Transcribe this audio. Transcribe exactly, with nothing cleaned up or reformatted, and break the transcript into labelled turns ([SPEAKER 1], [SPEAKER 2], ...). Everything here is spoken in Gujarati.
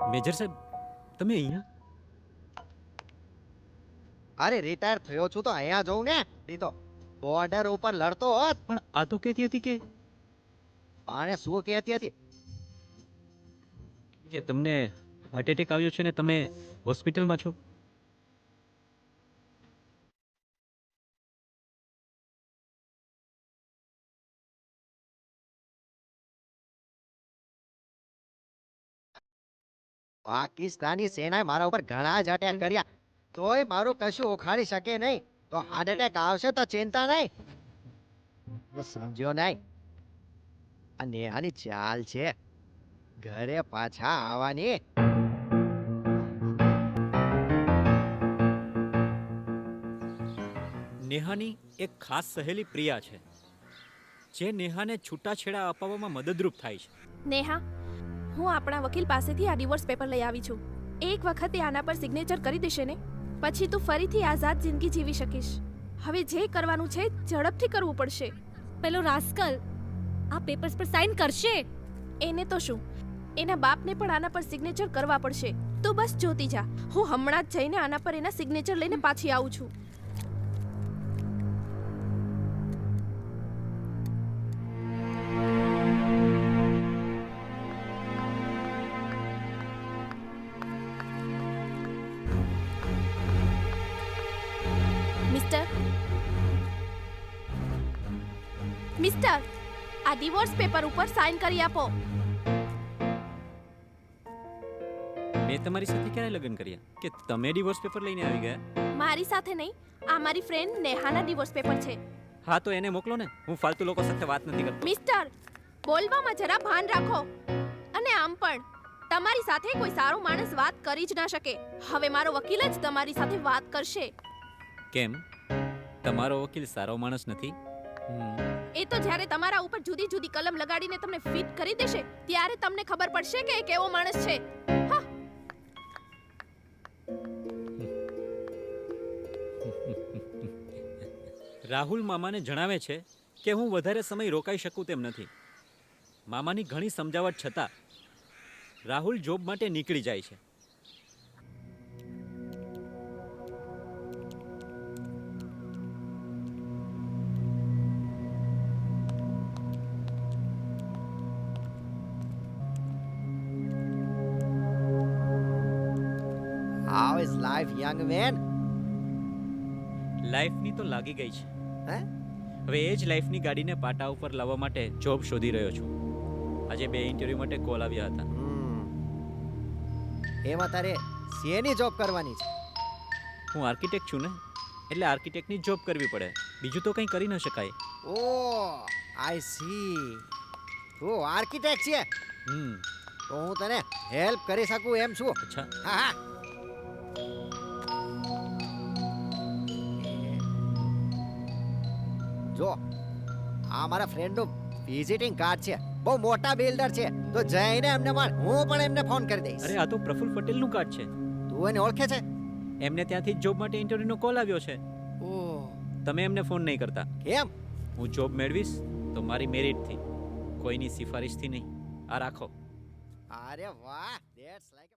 [SPEAKER 1] મેજર સાહેબ, તમે અહીંયા?
[SPEAKER 2] અરે રિટાયર થયો છું તો અહીંયા જઉં ને. નહીં તો બોર્ડર ઉપર લડતો હોત.
[SPEAKER 1] પણ આ તો કહેતી હતી કે
[SPEAKER 2] અને શું કહેતી હતી?
[SPEAKER 1] કે તમને હાર્ટ એટેક આવ્યો છે ને તમે હોસ્પિટલમાં છો.
[SPEAKER 2] પાકિસ્તાની સેનાએ મારા ઉપર ઘણા જ અટેક કર્યા, તોય મારું કશું ઉખાડી શકે નહીં. તો હાર્ટ એટેક આવશે તો ચિંતા નહીં. હું સમજ્યો નહીં. આ નેહાની ચાલ છે ઘરે પાછા આવવાની.
[SPEAKER 1] નેહાની એક ખાસ સહેલી પ્રિયા છે જે નેહાને છૂટાછેડા અપાવવામાં મદદરૂપ થાય છે.
[SPEAKER 3] નેહા, હું આપણા વકીલ પાસેથી આ ડિવોર્સ પેપર લઈ આવી છું. એક વખતે આના પર સિગ્નેચર કરી દેશે ને, પછી તું ફરીથી આઝાદ જિંદગી જીવી શકીશ. હવે જે કરવાનું છે ઝડપથી કરવું પડશે.
[SPEAKER 4] પેલો રાસ્કલ આ પેપર્સ પર સાઇન કરશે.
[SPEAKER 3] એને તો શું, એના બાપને પણ આના પર સિગ્નેચર કરવા પડશે. તું બસ જોતી જા, હું હમણાં જ જઈને આના પર એના સિગ્નેચર લઈને પાછી આવું છું. મિસ્ટર મિસ્ટર આ ડિવોર્સ પેપર ઉપર સાઇન કરી આપો.
[SPEAKER 1] મેં તમારી સાથે ક્યારે લગ્ન કર્યા કે તમે ડિવોર્સ પેપર લઈને આવી ગયા?
[SPEAKER 3] મારી સાથે નહીં, આ મારી ફ્રેન્ડ નેહાના ડિવોર્સ પેપર છે.
[SPEAKER 1] હા તો એને મોકલો ને, હું ફાલતુ લોકો સાથે વાત નથી કરતો.
[SPEAKER 3] મિસ્ટર, બોલવામાં જરા ભાન રાખો. અને આમ પણ તમારી સાથે કોઈ સારો માણસ વાત કરી જ ના શકે. હવે મારો વકીલ જ તમારી સાથે વાત કરશે.
[SPEAKER 1] કેમ, તમારો વકીલ સારો માણસ નથી?
[SPEAKER 3] એ તો જ્યારે તમારા ઉપર જુદી જુદી કલમ લગાડીને તમને ફિટ કરી દેશે ત્યારે તમને ખબર પડશે કે એ કેવો માણસ છે. હા.
[SPEAKER 1] રાહુલ મામાને જણાવે છે કે હું વધારે સમય રોકાઈ શકું તેમ નથી. મામાની ઘણી સમજાવટ છતાં રાહુલ જોબ માટે નીકળી જાય છે.
[SPEAKER 2] How is life, young man?
[SPEAKER 1] લાઈફની તો લાગી ગઈ છે.
[SPEAKER 2] હે?
[SPEAKER 1] હવે એ જ લાઈફની ગાડીને પાટા ઉપર લાવવા માટે જોબ શોધી રહ્યો છું. આજે બે ઇન્ટરવ્યૂ માટે કોલ આવ્યા હતા.
[SPEAKER 2] હમ. એમાં તારે શેની જોબ કરવાની છે?
[SPEAKER 1] હું આર્કિટેક્ટ છું ને, એટલે આર્કિટેક્ટની જોબ કરવી પડે, બીજું તો કંઈ કરી ન શકાય.
[SPEAKER 2] ઓ આઈ સી. તું આર્કિટેક્ટ છે
[SPEAKER 1] હમ
[SPEAKER 2] તો હું તને હેલ્પ કરી શકું એમ છું.
[SPEAKER 1] અચ્છા,
[SPEAKER 2] હા હા. જો આ મારા ફ્રેન્ડનું વિઝિટિંગ કાર્ડ છે, બહુ મોટા બિલ્ડર છે, તો જઈને એમને મળ. હું પણ એમને ફોન કરી દઈશ.
[SPEAKER 1] અરે આ તો પ્રફુલ્લ પટેલનું કાર્ડ છે.
[SPEAKER 2] તું એને ઓળખે છે?
[SPEAKER 1] એમને ત્યાંથી જ જોબ માટે ઇન્ટરવ્યૂનો કોલ આવ્યો છે.
[SPEAKER 2] ઓહ,
[SPEAKER 1] તમે એમને ફોન નહીં કરતા.
[SPEAKER 2] કેમ?
[SPEAKER 1] હું જોબ મેળવીશ તો મારી મેરિટથી, કોઈની સિફારિશથી નહીં. આ રાખો.
[SPEAKER 2] અરે વાહ, ધેટ્સ લાઈક